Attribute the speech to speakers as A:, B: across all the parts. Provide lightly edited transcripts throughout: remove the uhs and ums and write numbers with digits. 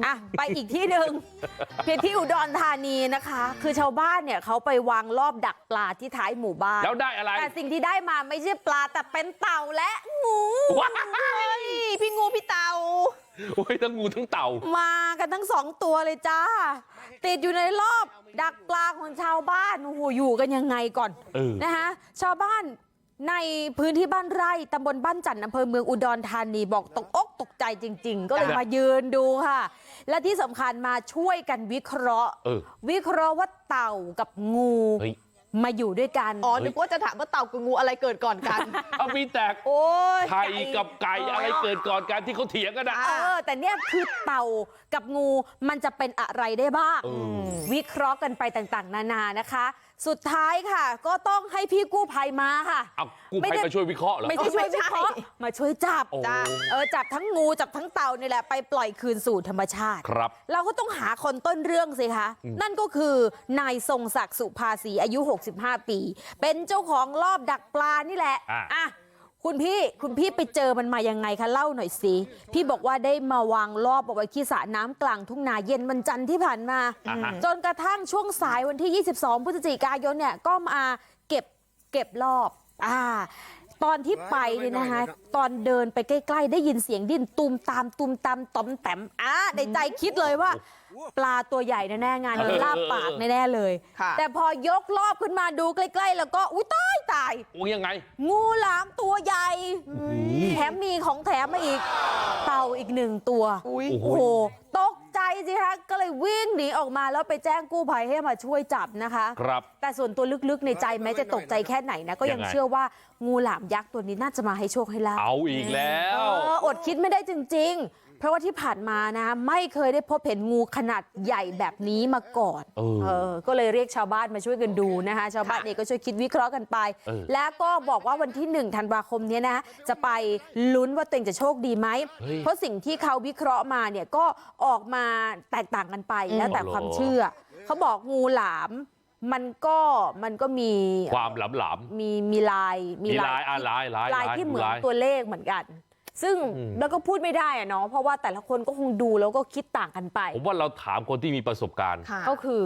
A: อ่ะไปอีกที่หนึ่งเพียงที่อุดรธานีนะคะ คือชาวบ้านเนี่ยเขาไปวางรอบดักปลาที่ท้ายหมู่บ้าน
B: แล้วได้อะไร
A: แต่สิ่งที่ได้มาไม่ใช่ปลาแต่เป็นเต่าและงู
C: พี่งูพี่เต่า
B: โอ้ยทั้งงูทั้งเต่า
A: มากันทั้ง2 ตัวเลยจ้าติดอยู่ในรอบดักปลาของชาวบ้านโอ้โหอยู่กันยังไงก่อนนะคะชาวบ้านในพื้นที่บ้านไร่ตำบลบ้านจันทร์อำเภอเมืองอุดรธานีบอกตกอกตกใจจริงๆก็เลยมายืนดูค่ะและที่สำคัญมาช่วยกันวิเคราะห์ว่าเต่ากับงูมาอยู่ด้วยกัน
C: อ๋อนึกว่าจะถามว่าเต่ากับงูอะไรเกิดก่อนกัน
B: เอามีแตก
A: โอ้ย
B: ไข่กับไก่อะไรเกิดก่อนกันที่เขาเถียงกันนะ
A: แต่เนี่ยคือเต่ากับงูมันจะเป็นอะไรได้บ้างวิเคราะห์กันไปต่างๆนานานะคะสุดท้ายค่ะก็ต้องให้พี่กู้ภัยมาค่ะ
B: กู้ภัยมาช่วยวิเคราะห์เหรอ
A: ไม่ใช่ช่วยวิเคราะห์มาช่วยจับจับทั้งงูจับทั้งเต่านี่แหละไปปล่อยคืนสู่ธรรมชาติ
B: ครับ
A: เราก็ต้องหาคนต้นเรื่องสิคะนั่นก็คือนายทรงศักดิ์สุภาษีอายุ65 ปีเป็นเจ้าของรอบดักปลานี่แหละคุณพี่ไปเจอมันมายังไงคะเล่าหน่อยสิพี่บอกว่าได้มาวางรอบเอาไว้ที่สระน้ำกลางทุ่งนาเย็นวันจันทร์ที่ผ่านมาจนกระทั่งช่วงสายวันที่22 พฤศจิกายนเนี่ยก็มาเก็บรอบตอนที่ไปเนี่ยนะคะตอนเดินไปใกล้ๆได้ยินเสียงดิ้นตูมตามตอมแต้มในใจคิดเลยว่าปลาตัวใหญ่แน่ๆงานนี้ลาบปากแน่ๆเลยแต่พอยกรอบขึ้นมาดูใกล้ๆแล้วก็อุ้ยตาย
B: ยังไง
A: งูหลามตัวใหญ่แถมมีของแถมมาอีกเต่าอีก1 ตัวโอ้โหตกใจสิคะก็เลยวิ่งหนีออกมาแล้วไปแจ้งกู้ภัยให้มาช่วยจับนะคะ
B: ครับ
A: แต่ส่วนตัวลึกๆในใจแม้จะตกใจแค่ไหนนะก็ยังเชื่อว่างูหลามยักษ์ตัวนี้น่าจะมาให้โชคให้ลาภ
B: เอาอีกแล้ว
A: อดคิดไม่ได้จริงๆเพราะว่าที่ผ่านมานะไม่เคยได้พบเห็นงูขนาดใหญ่แบบนี้มาก่อนก็เลยเรียกชาวบ้านมาช่วยกันดูนะคะชาวบ้านเองก็ช่วยคิดวิเคราะห์กันไปแล้วก็บอกว่าวันที่1 ธันวาคมนี้นะจะไปลุ้นว่าตัวเองจะโชคดีไหมเพราะสิ่งที่เขาวิเคราะห์มาเนี่ยก็ออกมาแตกต่างกันไปแล้วแต่ความเชื่อเขาบอกงูหลามมันก็มี
B: ความหลาม
A: มีลายที่เหมือนตัวเลขเหมือนกันซึ่งแล้วก็พูดไม่ได้อะเนาะเพราะว่าแต่ละคนก็คงดูแล้วก็คิดต่างกันไป
B: ผมว่าเราถามคนที่มีประสบการณ์
A: ก็คือ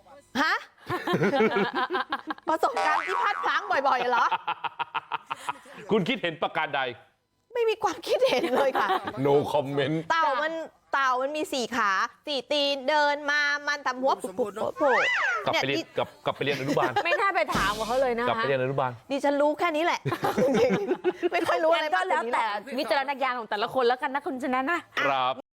C: ประสบการณ์ที่พลาดพลั้งบ่อยๆเหรอ
B: คุณคิดเห็นประการใด
C: ไม่มีความคิดเห็นเลยค่ะ
B: no comment
C: เต่ามันมี4 ขา4 ตีนเดินมามันทำหัวปุบ
B: กลับไปเรียนอนุบาล
A: ไม่น่าไปถามเขาเลยนะ
B: กลับไปเรียนอนุบาล
C: ดิฉันรู้แค่นี้แหละไม่ค่อยรู้อะไร
A: ก็แล้วแต่วิจารณญาณของแต่ละคนแล้วกันนะคุณชนะนะครับ